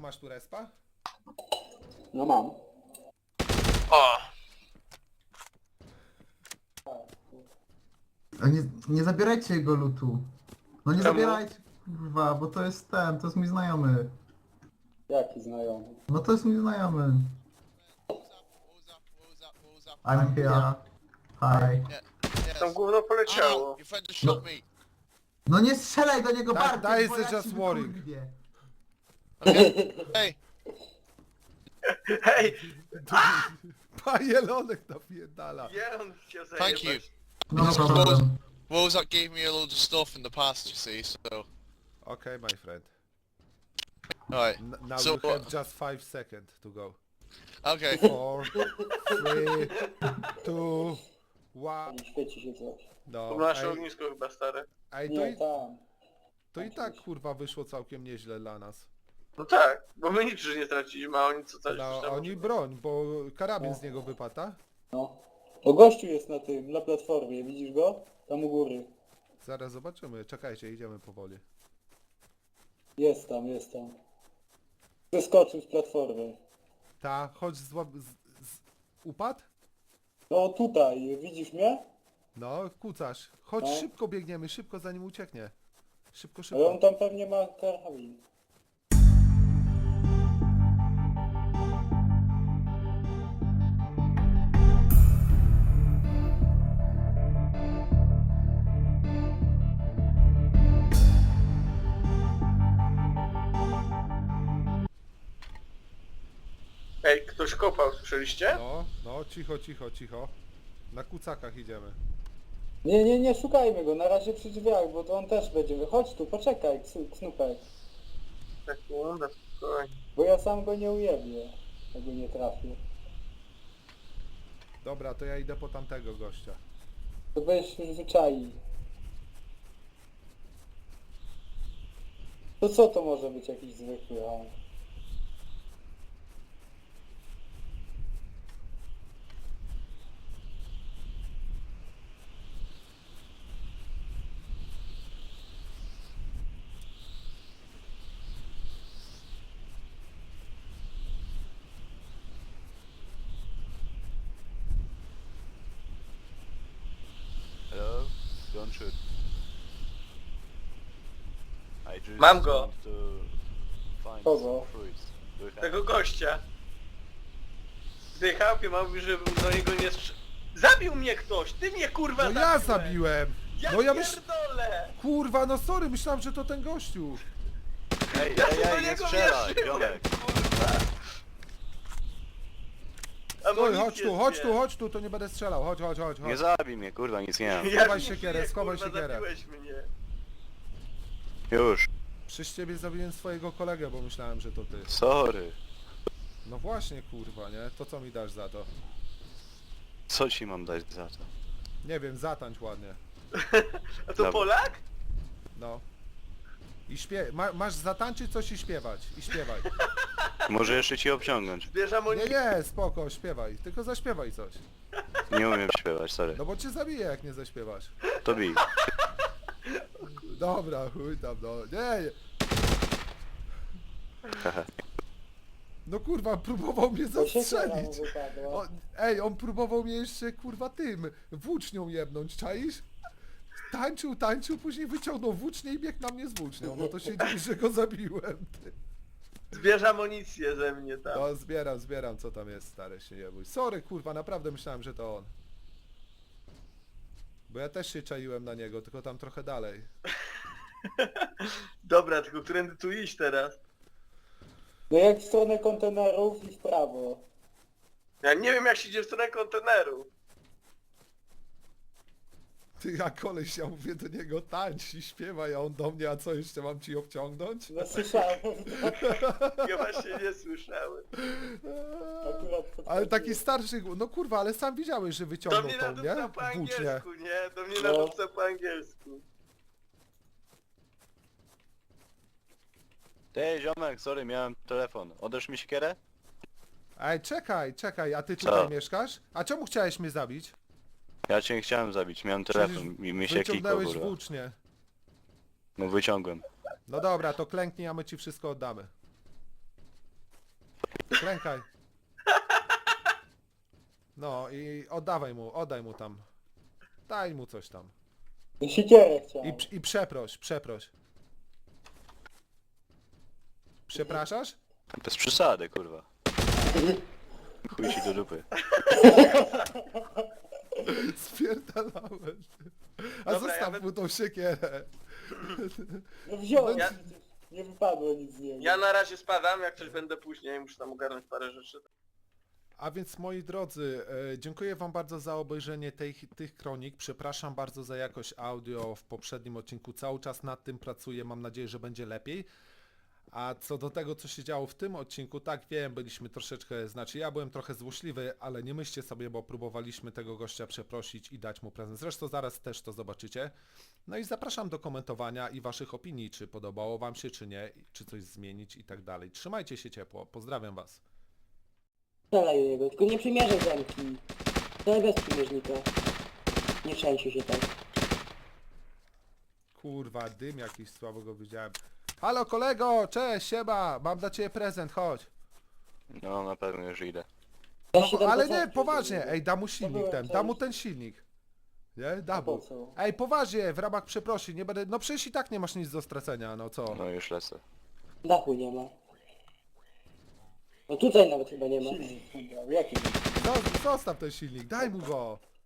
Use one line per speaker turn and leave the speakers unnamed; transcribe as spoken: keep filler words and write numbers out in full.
masz tu respa?
No mam.
O!
A nie, nie zabierajcie jego lutu. No nie
Czemu?
zabierajcie, kurwa, bo to jest ten, to jest mój znajomy.
Jaki znajomy?
No to jest mój znajomy. I'm here. Hi.
Tam gówno poleciało.
Your friend just shot me.
No nie strzelaj do niego
Tak,
bardziej,
daj
bo
ze
ja
just
ci
warning.
wykurwię.
Okay. Hey,
Hej!
Pajelonek napierdala.
Nie, on chciał
Thank you.
zajebać.
No
This
problem.
Wozak gave me a load of stuff in the past, you see, so...
Okay, my friend.
Alright,
N now
So,
you have
uh,
just five seconds to go.
okay.
Four, three, two, one.
Nie świeci się coś.
No,
To nasze
ej,
ognisko chyba stare.
ej, to,
Nie,
i,
tam.
to i tak kurwa wyszło całkiem nieźle dla nas.
No tak, bo my nic nie straciliśmy, a oni co coś
No,
tam-
oni broń, bo karabin z niego wypada.
No. O, gościu jest na tym, na platformie, widzisz go? Tam u góry.
Zaraz zobaczymy, czekajcie, idziemy powoli.
Jest tam, jest tam. Zeskoczył z platformy.
Ta, chodź z, z, z upadł?
No tutaj, widzisz mnie?
No, kucasz. Chodź,
No.
szybko biegniemy, szybko zanim ucieknie. Szybko,
Ale on
szybko.
tam pewnie ma karabin.
Ej, ktoś kopał, słyszeliście?
No, no, cicho, cicho, cicho. Na kucakach idziemy.
Nie, nie, nie, szukajmy go, na razie przy drzwiach, bo to on też będzie. Chodź tu, poczekaj, ksu- Knupek.
Sekunda, spokojnie.
Bo ja sam go nie ujebię, jak go nie trafię.
Dobra, to ja idę po tamtego gościa.
To weź już wyczai. To co to może być jakiś zwykły, a...
Hello? Don't shoot. I just
Mam go.
want to find
Kogo?
some fruits. Do you have-
Tego gościa. Dychał, ja mówi, żebym do niego nie strz... Zabił mnie ktoś! Ty mnie kurwa
No
zabiłeś!
ja zabiłem!
Ja
No ja myśl...
pierdolę!
Kurwa, no sorry, myślałem, że to ten gościu.
Ej,
Ja
ej,
się do
ej, nie
niego
strzelaj,
wierzyłem,
ziomek.
kurwa!
Oj,
Amunicję
chodź tu, chodź tu,
zbierz.
chodź tu, to nie będę strzelał. Chodź, chodź, chodź,
Nie
chodź.
zabij mnie, kurwa, nic nie mam.
Ja
Schowaj
nie
siekierę,
żyję,
schowaj
kurwa,
siekierę.
zabiłeś mnie.
Już.
Przez ciebie zabiłem swojego kolegę, bo myślałem, że to ty.
Sorry.
No właśnie, kurwa, nie? To co mi dasz za to?
Co ci mam dać za to?
Nie wiem, zatańcz ładnie.
A to
Dobra.
Polak?
No. I śpiew... Ma, masz zatańczyć coś i śpiewać. I śpiewaj.
Może jeszcze ci obciągnąć.
Bierz
Nie,
amunicję.
nie, spoko, śpiewaj. Tylko zaśpiewaj coś.
Nie umiem śpiewać, sorry.
No bo cię zabiję, jak nie zaśpiewasz.
To bij.
Dobra, chuj tam, no. Nie, nie. No kurwa, próbował mnie
To siekiera mu
zastrzelić.
wypadła.
O, ej, on próbował mnie jeszcze kurwa tym, włócznią jebnąć, czaisz? Tańczył, tańczył, później wyciągnął włócznię i biegł na mnie z włócznią. No to się dziwi, że go zabiłem. Ty.
Zbierz amunicję ze mnie tam.
No zbieram, zbieram, co tam jest, stary, się nie bój. Sorry, kurwa, naprawdę myślałem, że to on. Bo ja też się czaiłem na niego, tylko tam trochę dalej.
Dobra, tylko którędy tu iść teraz?
No jak w stronę kontenerów i w prawo.
Ja nie wiem jak się idzie w stronę konteneru.
Ty, a koleś, ja mówię do niego tańcz i śpiewaj, a on do mnie, a co jeszcze mam ci obciągnąć?
No słyszałem to.
Ja właśnie nie słyszałem.
Akurat podchodziłem.
Ale taki starszy, no kurwa, ale sam widziałeś, że
Do
wyciągnął
mnie
tą, nie?
nadupca po
Włócznię.
angielsku, nie? Do mnie
No.
nadupca po angielsku.
Ej, ziomek, sorry, miałem telefon. Odeż mi siekierę?
Ej, czekaj, czekaj, a ty
Co?
tutaj mieszkasz? A czemu chciałeś mnie zabić?
Ja cię nie chciałem zabić, miałem telefon i mi się klikło,
wyciągnąłeś
kurwa.
włócznię.
No wyciągłem.
No dobra, to klęknij, a my ci wszystko oddamy. Klękaj. No i oddawaj mu, oddaj mu tam. Daj mu coś tam.
Siekierę chciałem.
I, p- i przeproś, przeproś. Przepraszasz?
Bez przesady, kurwa. Chuj ci do dupy.
Spierdalałem. A
Dobra,
zostaw
ja wy-
mu tą siekierę.
No wziąłem,
Ja-
przecież nie wypadło nic z niego.
Ja na razie spadam, jak coś będę później, muszę tam ogarnąć parę rzeczy.
A więc moi drodzy, e, dziękuję wam bardzo za obejrzenie tej, tych kronik. Przepraszam bardzo za jakość audio w poprzednim odcinku. Cały czas nad tym pracuję, mam nadzieję, że będzie lepiej. A co do tego, co się działo w tym odcinku, tak wiem, byliśmy troszeczkę, znaczy ja byłem trochę złośliwy, ale nie myślcie sobie, bo próbowaliśmy tego gościa przeprosić i dać mu prezent. Zresztą zaraz też to zobaczycie. No i zapraszam do komentowania i waszych opinii, czy podobało wam się, czy nie, czy coś zmienić i tak dalej. Trzymajcie się ciepło, pozdrawiam was.
Strzelaj do niego, tylko nie przymierzaj zamki. Strzelaj bez przymierznika. Nie trzęsie się tak.
Kurwa, dym jakiś słabo go widziałem. Halo kolego, cześć, siema, mam dla ciebie prezent, chodź.
No na pewno już idę.
Ja
No,
się tam
ale
pocałuję
nie, poważnie,
do niego.
ej, da mu silnik
byłem,
ten, da mu
cześć.
ten silnik. Nie, da
Po
mu.
co?
Ej, poważnie, w ramach przeprosin, nie będę, no przecież i tak nie masz nic do stracenia, no co?
No już lecę.
Dachu nie ma. No tutaj nawet chyba nie ma.
Silnik wybrał, jaki?
Zo- Zostaw ten silnik, daj mu go.